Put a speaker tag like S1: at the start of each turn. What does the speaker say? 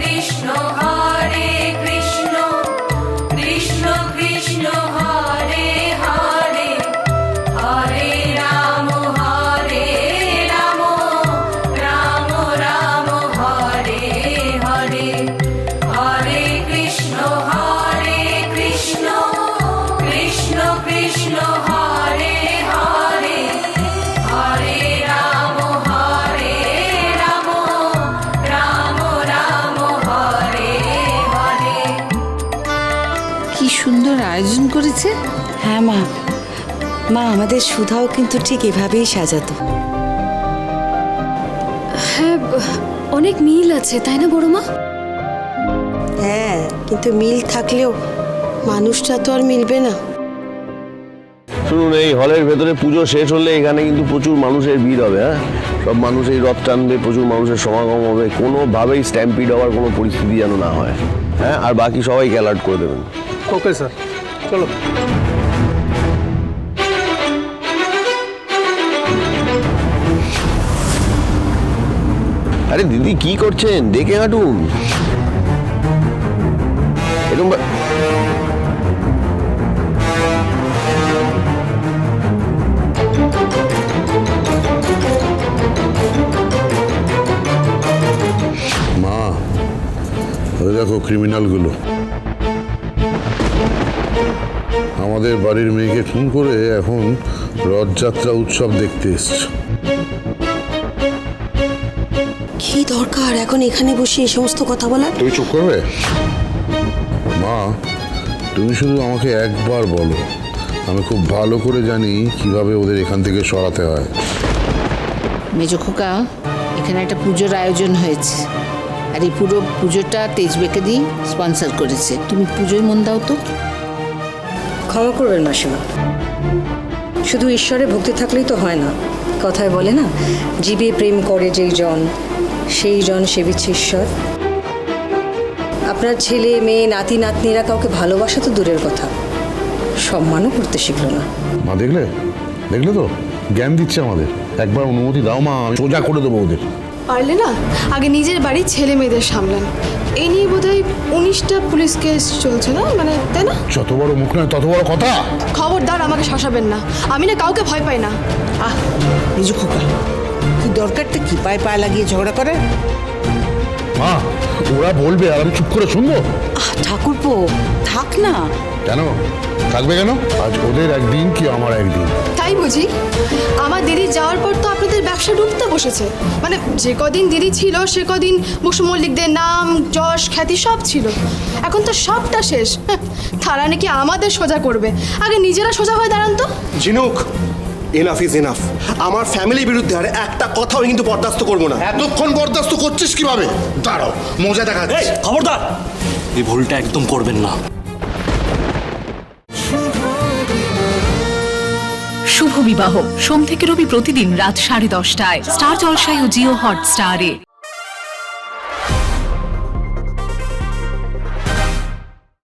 S1: কৃষ্ণ হরে কৃষ্ণ কৃষ্ণ কৃষ্ণ হরে হরে হরে রাম রাম রাম হরে হরে হরে কৃষ্ণ কৃষ্ণ কৃষ্ণ হরে হরে হরে রাম রাম রাম হরে হরে।
S2: কি সুন্দর আয়োজন করেছে।
S3: হ্যাঁ মা, মা আমাদের সুধাও কিন্তু ঠিক এভাবেই সাজাতো।
S4: হ্যাঁ, অনেক মিল আছে তাই না বড় মা?
S5: হ্যাঁ, কিন্তু মিল থাকলেও মানুষটা তো আর মিলবে না।
S6: শুনুন, এই হলের ভেতরে পুজো শেষ হলে এখানে কিন্তু প্রচুর মানুষের ভিড় হবে। হ্যাঁ, সব মানুষ এই রথ টানবে, প্রচুর মানুষের সমাগম হবে, কোনোভাবেই স্ট্যাম্পিড হওয়ার কোনো পরিস্থিতি যেন না হয়। হ্যাঁ, আর বাকি সবাইকে অ্যালার্ট করে দেবেন।
S7: ওকে স্যার, চলো।
S6: আরে দিদি, কি করছেন? দেখে হাঁটুন। এরকম
S8: মা, ওই দেখো ক্রিমিনালগুলো আমাদের বাড়ির মেয়েকে খুন করে এখন রথযাত্রা উৎসব দেখতে এসছে।
S5: কি দরকার এখন এখানে বসে এই সমস্ত কথা বলার?
S8: তুমি চুপ করবে? মা, তুমি শুধু আমাকে একবার বলো, আমি খুব ভালো করে জানি কিভাবে ওদের এখান থেকে সরাতে হয়।
S2: মেজো খোকা, এখানে একটা পুজোর আয়োজন হয়েছে, আর এই পুরো পুজোটা তেজবেকে দিয়ে স্পন্সর করেছে। তুমি পুজোয় মন দাও তো।
S9: ক্ষমা করবেন মাসিমা, শুধু ঈশ্বরে ভক্তি থাকলেই তো হয় না। কথায় বলে না, জীবে প্রেম করে যেই জন সেই জন সেবিছে ঈশ্বর। আপনার ছেলে মেয়ে নাতি নাতনিরা কাউকে ভালোবাসা তো দূরের কথা, সম্মানও করতে শিখলো না।
S8: মা, দেখলে দেখলে তো জ্ঞান দিচ্ছে আমাদের। একবার অনুমতি দাও মা, আমি সোজা করে দেবো ওদের।
S4: পারলে না আগে নিজের বাড়ির ছেলে মেয়েদের সামলান। এই নিয়ে বোধহয় 19টা পুলিশ কেস চলছে না, মানে তাই না?
S8: যত বড় মুখ নয় তত বড় কথা।
S4: খবরদার আমাকে শাসাবেন না, আমি না কাউকে ভয় পাই না।
S2: আহ মেজো খোকা, কি দরকারটা কি পায়ে পায়ে লাগিয়ে ঝগড়া করে?
S8: মা, ওরা বলবে আর আমি চুপ করে শুনবো?
S3: ঠাকুরপো থাক না।
S8: কেন থাকবে কেন? আজ ওদের একদিন কি আমার একদিন।
S4: তাই বুঝি? আমার দিদি যাওয়ার পর তো আপনাদের ব্যবসা ডুবতে বসেছে। মানে যে কদিন দিদি ছিল সে কদিন বসু মল্লিকদের নাম যশ খ্যাতি সব ছিল, এখন তো সবটা শেষ। তারা নাকি আমাদের সোজা করবে, আগে নিজেরা সোজা হয়ে দাঁড়ান তো।
S7: ঝিনুক, এনাফ ইজ এনাফ। আমার ফ্যামিলির বিরুদ্ধে আর একটা কথাও কিন্তু বরদাস্ত করবো না।
S8: এতক্ষণ বরদাস্ত করছিস কিভাবে? দাঁড়াও, মজা দেখা যাচ্ছে।
S10: খবরদার, এই ভুলটা একদম করবেন না।
S11: শুভ বিবাহ সোম থেকে রবি প্রতিদিন রাত 10:30টায় স্টার জলসায় ও জিও হটস্টারে।